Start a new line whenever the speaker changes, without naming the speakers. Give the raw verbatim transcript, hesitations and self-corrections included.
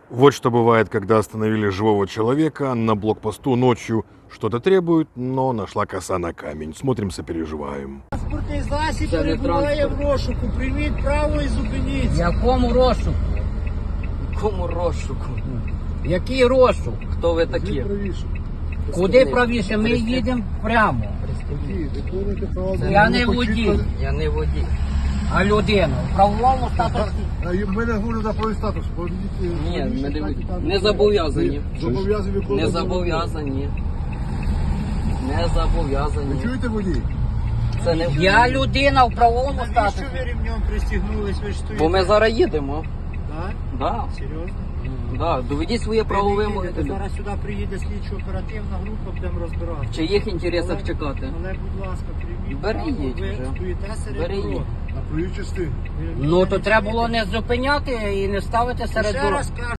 Вот что бывает, когда остановили живого человека на блокпосту ночью. Что-то требует, но нашла коса на камень. Смотрим, сопереживаем.
Транспортний засіб
Це не
перебуває в
транспорт.
розшуку. Прийміть право і зупиніться.
Якому розшуку?
Кому розшуку?
Який розшук?
Хто ви такі?
Куди правіше? Ми їдемо прямо. Я не водій,
Я не водій.
а людина. В правовому статусі.
Ми не говоримо за правий статус.
Ні, ми не водій. Не зобов'язані.
Зобов'язані
Не
виконувати.
зобов'язані. Не зобов'язані.
Чуєте, водій?
Це не
Я людина в правовому
Навіщо
статусі.
ви ремнем пристігнулись? Ви ж стоїте.
Бо ми зараз їдемо.
Так?
Да.
Серйозно?
Да. Доведіть своє
Ви
право
не
вимоги.
їдете. Зараз сюди приїде слідчо-оперативна група, будемо розбиратися.
В чиїх інтересах чекати?
Але, будь ласка, прийміть
Бери,
право,
їдь
ви
вже.
стоїте серед
Бери,
дороги.
їдь.
На проїжджій частині.
Ви
Ну то
не
треба було
чуєте?
не зупиняти і не ставити серед
Ще
дороги.
раз кажу.